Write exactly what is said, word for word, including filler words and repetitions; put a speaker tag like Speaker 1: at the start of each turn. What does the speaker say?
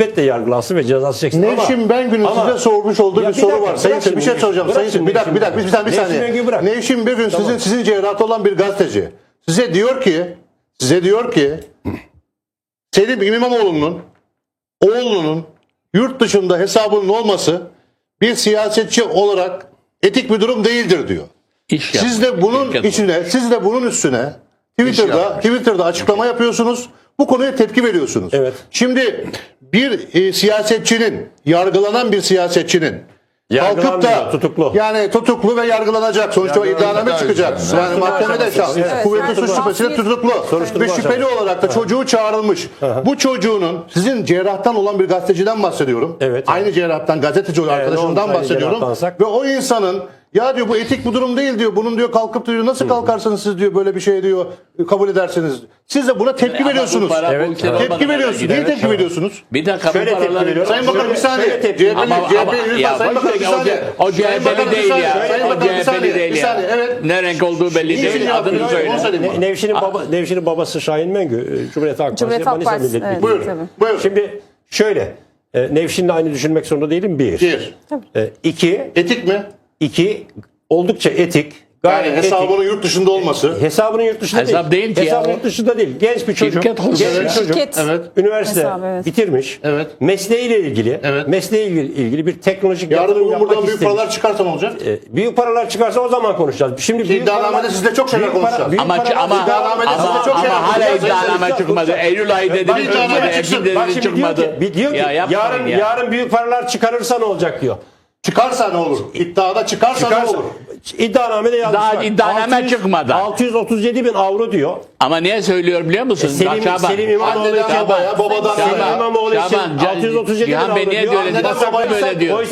Speaker 1: elbette yargılansın ve cezası çeksin ama...
Speaker 2: Nevşin Bengü'nün
Speaker 1: ama-
Speaker 2: size sormuş olduğu
Speaker 1: Ya
Speaker 2: bir
Speaker 1: bir
Speaker 2: soru
Speaker 1: dakika,
Speaker 2: var. Sayın
Speaker 1: bırak
Speaker 2: Seyit, bir şey
Speaker 1: şimdi
Speaker 2: soracağım.
Speaker 1: Nevşin,
Speaker 2: Sayın Seyit, bir
Speaker 1: bırak
Speaker 2: dakika, bir dakika, bir
Speaker 1: şimdi
Speaker 2: saniye, bir
Speaker 1: Nevşin
Speaker 2: saniye.
Speaker 1: Bengü'yü bırak.
Speaker 2: Nevşin bir gün
Speaker 1: Tamam.
Speaker 2: sizin sizin cerrahta olan bir gazeteci size diyor ki, size diyor ki Selim İmamoğlu'nun oğlunun yurt dışında hesabının olması bir siyasetçi olarak etik bir durum değildir diyor.
Speaker 3: İş
Speaker 2: Siz
Speaker 3: yapmış,
Speaker 2: de bunun
Speaker 3: şirket
Speaker 2: içine, siz de bunun üstüne Twitter'da
Speaker 3: yapmış.
Speaker 2: Twitter'da açıklama yapıyorsunuz. Bu konuya tepki veriyorsunuz.
Speaker 1: Evet.
Speaker 2: Şimdi bir e, siyasetçinin, yargılanan bir siyasetçinin kalkıp
Speaker 1: Yargılanmıyor,
Speaker 2: da
Speaker 1: tutuklu.
Speaker 2: yani tutuklu ve yargılanacak. Sonuçta
Speaker 4: Yargılanacak,
Speaker 2: iddianame çıkacak.
Speaker 4: evet.
Speaker 2: Yani mahkemede şahs,
Speaker 1: Evet.
Speaker 2: kuvvetli
Speaker 5: Evet.
Speaker 2: suç şüphesiyle
Speaker 5: Evet.
Speaker 2: tutuklu
Speaker 1: Soruşturma
Speaker 2: ve şüpheli
Speaker 1: aşaması.
Speaker 2: olarak da çocuğu çağrılmış. Bu çocuğunun sizin cerrahtan olan bir gazeteciden bahsediyorum.
Speaker 1: Evet.
Speaker 2: Aynı cerrahtan gazeteci olan
Speaker 1: Evet,
Speaker 2: arkadaşımdan
Speaker 1: aynı
Speaker 2: bahsediyorum.
Speaker 1: cerrahtansak.
Speaker 2: Ve o insanın ya diyor bu etik bir durum değil diyor. Bunun diyor kalkıp diyor nasıl kalkarsınız siz diyor böyle bir şey diyor kabul ederseniz. Siz de buna tepki
Speaker 3: Ama bu
Speaker 2: veriyorsunuz.
Speaker 3: para bu
Speaker 1: Evet,
Speaker 3: ülkede
Speaker 1: evet.
Speaker 2: Tepki
Speaker 3: olmadan
Speaker 2: veriyorsunuz.
Speaker 3: gider.
Speaker 2: Niye tepki veriyorsunuz?
Speaker 3: Bir dakika bu
Speaker 1: Şöyle tepki
Speaker 3: paraları...
Speaker 1: veriyorum.
Speaker 2: Sayın Bakanım bir
Speaker 1: Şöyle-
Speaker 2: saniye.
Speaker 1: şöyle tepki-
Speaker 2: C H P'li,
Speaker 3: Ama,
Speaker 2: C H
Speaker 3: ama
Speaker 2: P'li lütfen
Speaker 3: ya
Speaker 2: Sayın
Speaker 3: boş
Speaker 2: Bakanım bir
Speaker 3: ver, o,
Speaker 2: saniye.
Speaker 3: C- o
Speaker 2: Sayın Bakanım,
Speaker 3: C H P'li
Speaker 2: bir
Speaker 3: değil
Speaker 2: saniye.
Speaker 3: ya.
Speaker 2: Sayın
Speaker 3: O
Speaker 2: Bakanım bir
Speaker 3: C H P'li
Speaker 2: saniye.
Speaker 3: değil
Speaker 2: Bir
Speaker 3: ya.
Speaker 2: saniye. Evet.
Speaker 3: Ne renk olduğu belli
Speaker 2: Niçin
Speaker 3: değil.
Speaker 2: yapıyor?
Speaker 3: Adını
Speaker 2: Onu
Speaker 3: söyle.
Speaker 2: söyleyeyim.
Speaker 1: Ne- Nevşin'in, baba, Nevşin'in babası Şahin Mengü, e, Cumhuriyet Halk Partisi,
Speaker 5: Cumhuriyet Halk
Speaker 1: Manisa
Speaker 5: Partisi,
Speaker 1: Milletvekili.
Speaker 5: evet.
Speaker 2: Buyurun.
Speaker 5: Tabii.
Speaker 2: Buyurun.
Speaker 1: Şimdi şöyle, e, Nevşin'le aynı düşünmek zorunda değilim bir.
Speaker 2: Bir.
Speaker 1: E, iki,
Speaker 2: Etik mi?
Speaker 1: iki oldukça etik.
Speaker 2: Yani
Speaker 1: Gayet etik.
Speaker 2: hesabının yurt dışında olması.
Speaker 1: Hesabının yurt dışında
Speaker 3: Hesap
Speaker 1: değil.
Speaker 3: değil ki
Speaker 1: Hesabının
Speaker 3: ya.
Speaker 1: yurt dışında değil. Genç bir çocuk.
Speaker 3: Şirket olsun
Speaker 1: genç
Speaker 3: ya.
Speaker 1: bir çocuk.
Speaker 5: Şirket.
Speaker 2: Evet.
Speaker 1: Üniversite
Speaker 5: Hesabı, evet.
Speaker 1: bitirmiş.
Speaker 2: Evet.
Speaker 1: Mesleğiyle ilgili,
Speaker 2: Evet.
Speaker 1: mesleğiyle ilgili, ilgili bir teknolojik
Speaker 2: Yarın
Speaker 1: yatırım
Speaker 2: bugün
Speaker 1: yapmak
Speaker 2: buradan büyük
Speaker 1: istemiş.
Speaker 2: paralar çıkarsa ne olacak?
Speaker 1: E, büyük paralar çıkarsa o zaman konuşacağız. Şimdi büyük
Speaker 2: İddianamede
Speaker 1: paralar-
Speaker 2: sizle çok şeyler
Speaker 1: büyük para-
Speaker 2: konuşacağız.
Speaker 1: büyük
Speaker 3: Ama
Speaker 1: paralar-
Speaker 3: ama ama,
Speaker 2: İddianamede
Speaker 3: ama,
Speaker 2: size çok şey
Speaker 3: ama hala
Speaker 2: yapacağız.
Speaker 3: iddianame
Speaker 1: Yapacağız.
Speaker 3: çıkmadı. Eylül ayı dediniz,
Speaker 2: Ben iddianame
Speaker 3: ölmedi,
Speaker 2: çıksın.
Speaker 3: Ekim
Speaker 1: Bak
Speaker 3: dediniz
Speaker 1: şimdi diyor
Speaker 3: çıkmadı.
Speaker 1: ki, bir- diyor ki
Speaker 3: Ya yapmayın
Speaker 1: yarın
Speaker 3: ya.
Speaker 1: yarın büyük paralar çıkarırsa ne olacak diyor.
Speaker 2: Çıkarsa ne olur? İddiada çıkarsa, ne
Speaker 1: Çıkarsa,
Speaker 2: olur?
Speaker 1: iddianamede yazmışlar.
Speaker 3: Daha iddianame
Speaker 1: altı yüz
Speaker 3: çıkmadı.
Speaker 1: altı yüz otuz yedi bin avro diyor.
Speaker 3: Ama niye söylüyor biliyor musun?
Speaker 1: Selim,
Speaker 3: Bak Şaban.
Speaker 1: Selim İmamoğlu
Speaker 2: Anneden
Speaker 1: için
Speaker 2: babaya, babadan
Speaker 1: Selim
Speaker 2: sana.
Speaker 1: İmamoğlu için
Speaker 3: Şaban,
Speaker 1: altı yüz otuz yedi bin
Speaker 3: Cihan
Speaker 1: avro
Speaker 3: Bey niye
Speaker 1: diyor.
Speaker 3: diyor?
Speaker 1: Anneden
Speaker 3: Neden
Speaker 1: babaya
Speaker 3: böyle diyor?
Speaker 1: oysa